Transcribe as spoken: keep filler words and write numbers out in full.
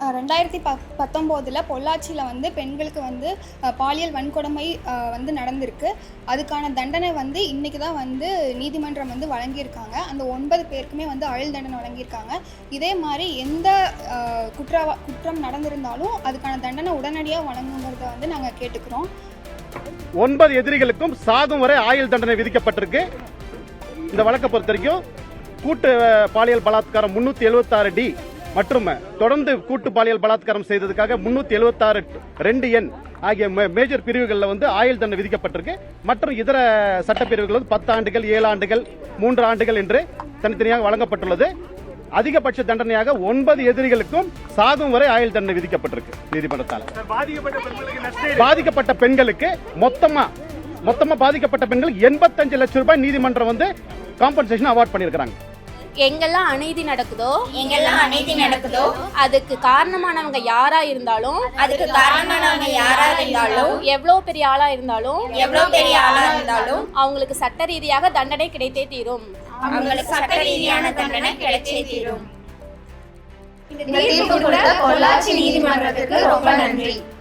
ரெண்டாயிரத்தி ப பத்தொம்போதில் பொள்ளாச்சியில் வந்து பெண்களுக்கு வந்து பாலியல் வன்கொடுமை வந்து நடந்திருக்கு. அதுக்கான தண்டனை வந்து இன்றைக்கி தான் வந்து நீதிமன்றம் வந்து வழங்கியிருக்காங்க. அந்த ஒன்பது பேருக்குமே வந்து ஆயுள் தண்டனை வழங்கியிருக்காங்க. இதே மாதிரி எந்த குற்ற குற்றம் நடந்திருந்தாலும் அதுக்கான தண்டனை உடனடியாக வழங்குங்கிறத வந்து நாங்கள் கேட்டுக்கிறோம். ஒன்பது எதிரிகளுக்கும் சாகும் வரை ஆயுள் தண்டனை விதிக்கப்பட்டிருக்கு. இந்த வழக்கை பொறுத்த வரைக்கும் கூட்டு பாலியல் பலாத்காரம் முன்னூத்தி எழுபத்தி ஆறு டி மற்றும் தொடர்ந்து கூட்டு பாலியல் பலாத்காரம் செய்ததுக்காக முன்னூத்தி எழுபத்தி ஆறு ரெண்டு எண் ஆகிய மேஜர் பிரிவுகளில் வந்து ஆயுள் தண்டனை விதிக்கப்பட்டிருக்கு. மற்றும் இதர சட்டப்பிரிவுகள் வந்து பத்து ஆண்டுகள் ஏழு ஆண்டுகள் மூன்று ஆண்டுகள் என்று தனித்தனியாக வழங்கப்பட்டுள்ளது. அதிகபட்ச தண்டனையாக ஒன்பது எதிரிகளுக்கும் சாகும் வரை ஆயுள் தண்டனை விதிக்கப்பட்டிருக்கு நீதிமன்றத்தால். பாதிக்கப்பட்ட பெண்களுக்கு மொத்தமா மொத்தமா பாதிக்கப்பட்ட பெண்களுக்கு எண்பத்தஞ்சு லட்சம் ரூபாய் நீதிமன்றம் வந்து காம்பன்சேஷன் அவார்ட் பண்ணியிருக்காங்க. எங்கெல்லாம் அநீதி நடக்குதோ எங்கெல்லாம் அநீதி நடக்குதோ அதுக்கு காரணமானவங்க யாரா இருந்தாலும் அதுக்கு காரணமானவங்க யாரா இருந்தாலும் எவ்வளவு பெரிய ஆளா இருந்தாலும் எவ்வளவு பெரிய ஆளா இருந்தாலும் அவங்களுக்கு சட்ட ரீதியாக தண்டனை கிடைத்தே தீரும். அவங்களுக்கு சட்ட ரீதியான தண்டனை கிடைச்சே தீரும். இந்த தீர்ப்பு கொடுத்த பொள்ளாச்சி நீதிமன்றத்துக்கு ரொம்ப நன்றி.